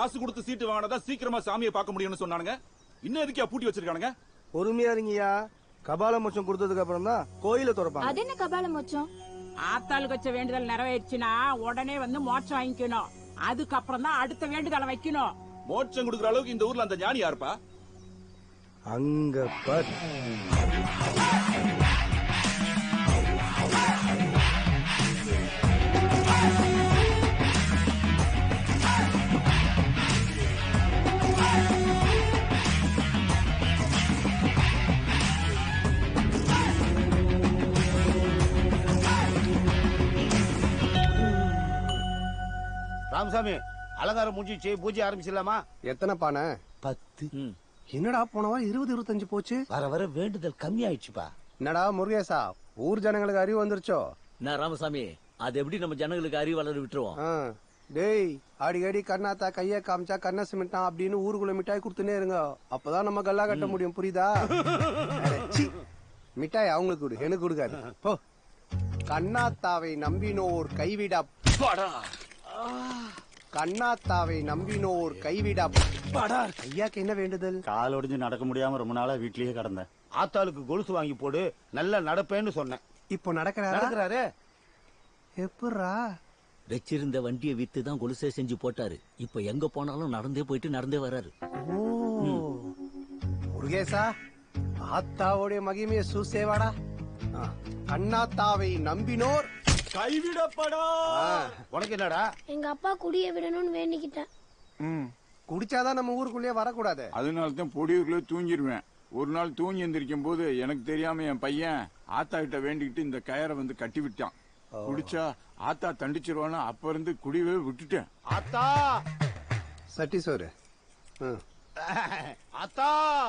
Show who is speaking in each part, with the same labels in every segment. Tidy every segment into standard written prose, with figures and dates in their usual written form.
Speaker 1: காசு கொடுத்து சீட்டு வாங்கினதா சீக்கிரமா சாமியை பார்க்க முடியும்னு சொன்னானுங்க. இன்னும் எதுக்கே பூட்டி வச்சிருக்கானுங்க?
Speaker 2: பொறுமையா இருங்கயா. கபால மோட்சம் கொடுத்ததுக்கு அப்புறம் தான் கோயில திறப்பாங்க.
Speaker 3: அது என்ன கபால மோட்சம்?
Speaker 4: ஆத்தாளுக்கு வச்ச வேண்டுதல் நிறைவேறிச்சுன்னா உடனே வந்து மோட்சம் வாங்கிக்கணும். அதுக்கப்புறம் தான் அடுத்த வேண்டுதலை வைக்கணும்.
Speaker 1: மோட்சம் கொடுக்குற அளவுக்கு இந்த ஊர்ல அந்த ஞானி யாருப்பா?
Speaker 2: அங்க பார்.
Speaker 5: ராமசாமி, அலங்காரம் முடிஞ்சிச்சு, பூஜை ஆரம்பிச்சிடலாமா?
Speaker 2: எத்தனை பானை?
Speaker 5: 10.
Speaker 2: என்னடா போனவா 20-25 போச்சு.
Speaker 5: வர வர வேண்டுதல் கம்மி ஆயிடுச்சுப்பா.
Speaker 2: என்னடா முருகேசா, ஊர் ஜனங்களுக்கு அறிவு வந்துருச்சோ?
Speaker 6: நான் ராமசாமி, அது எப்படி நம்ம ஜனங்களுக்கு அறிவு வளர விட்டுருவோம்?
Speaker 2: டேய், அடிக்கடி கண்ணாத்தா கைய காமிச்சா கண்ண சிமிட்டான் அப்படின்னு ஊருக்குள்ள மிட்டாய் கொடுத்துனே இருங்க. அப்பதான் நம்ம கல்லா கட்ட முடியும், புரியுதா? மிட்டாய் அவங்களுக்கு கொடு, எனக்கு கொடுக்காது போ. கண்ணாத்தாவை நம்பினோர் கைவிட கண்ணாத்தாவை நம்பினோர் கைவிட ஐயாக்கு என்ன வேண்டுதல்?
Speaker 7: கால் ஒடிஞ்சு நடக்க முடியாம ரொம்ப நாளா வீட்லயே கிடந்தேன்.
Speaker 5: ஆத்தாளுக்கு கொலுசு வாங்கி போடு, நல்லா நடப்பேன்னு சொன்னேன்.
Speaker 2: இப்போ நடக்கிறாரு. எப்படா?
Speaker 6: வச்சிருந்த வண்டியை வித்து தான் கொலுசே செஞ்சு போட்டாரு. இப்ப எங்க போனாலும் நடந்தே போயிட்டு நடந்தே வராரு.
Speaker 2: முருகேசா, ஆத்தாவுடைய மகிமையை சூசேவாடா. கண்ணாத்தாவை நம்பினோர்
Speaker 5: கைவிடப்படா. உனக்கு என்னடா?
Speaker 3: எங்க அப்பா குடிய விடணும்னு வேண்டிக்கிட்டேன்.
Speaker 2: குடிச்சாதான் நம்ம ஊருக்குள்ளேயே வரக்கூடாது.
Speaker 8: அதனாலதான் பொடியூர்ல தூங்கிடுவேன். ஒரு நாள் தூங்கி எந்திரிக்கும் போது எனக்கு தெரியாம என் பையன் ஆத்தா கிட்ட வேண்டிக்கிட்டு இந்த கயரை வந்து கட்டி விட்டான். குடிச்சா ஆத்தா தண்டிச்சிருவான்னு அப்ப இருந்து குடிவே விட்டுட்டேன்.
Speaker 5: ஆத்தா
Speaker 2: சட்டி சோறு.
Speaker 5: ஆத்தா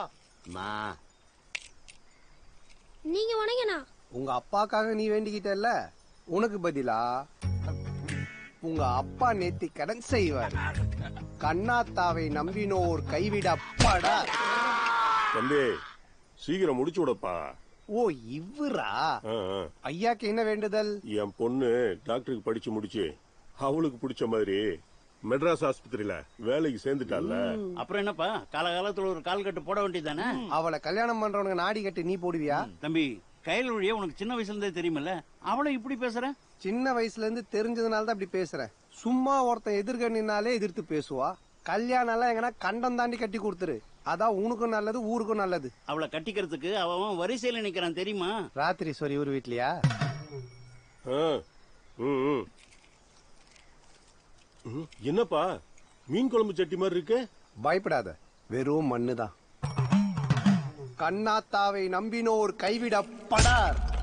Speaker 3: நீங்க வணங்கண்ணா.
Speaker 2: உங்க அப்பாக்காக நீ வேண்டிக்கிட்டல்ல, உனக்கு பதிலா உங்க அப்பா நேத்தி கடன் செய்வார். கண்ணாத்தாவை நம்பினோர் கைவிடப்படா.
Speaker 9: தம்பி, சீக்கிரம் முடிச்சு விடப்பா.
Speaker 2: ஓ இவரா? ஐயாக்கு என்ன வேண்டுதல்?
Speaker 9: என் பொண்ணு டாக்டருக்கு படிச்சு முடிச்சு அவளுக்கு பிடிச்ச மாதிரி மெட்ராஸ் ஆஸ்பத்திரியில வேலைக்கு சேர்ந்துட்டால.
Speaker 7: அப்புறம் என்னப்பா, காலகாலத்துல ஒரு கால் கட்டு போட வேண்டியதானே?
Speaker 2: அவளை கல்யாணம் பண்றவனுக்கு நாடி கட்டு நீ போடுவியா?
Speaker 7: தம்பி, கையில் வழியா உனக்கு சின்ன வயசுல இருந்தே தெரியுமில்ல, அவளை இப்படி பேசுற?
Speaker 2: சின்ன வயசுல இருந்து தெரிஞ்சதுனால தான் அப்படி பேசுறேன். சும்மா ஒருத்தன் எதிர்கண்ணினாலே எதிர்த்து பேசுவா. கல்யாணம் எல்லாம் எங்கன்னா கண்டம் தாண்டி கட்டி கொடுத்துரு. அதான் உனக்கும் நல்லது, ஊருக்கும் நல்லது.
Speaker 7: அவளை கட்டிக்கிறதுக்கு அவன் வரிசையில நிக்கிறான் தெரியுமா?
Speaker 2: ராத்திரி சொரி ஒரு வீட்லயா?
Speaker 9: என்னப்பா மீன் குழம்பு சட்டி மாதிரி இருக்கு?
Speaker 2: பயப்படாத, வெறும் மண்ணுதான். கண்ணாத்தாவை நம்பினோர் கைவிடப்படார்.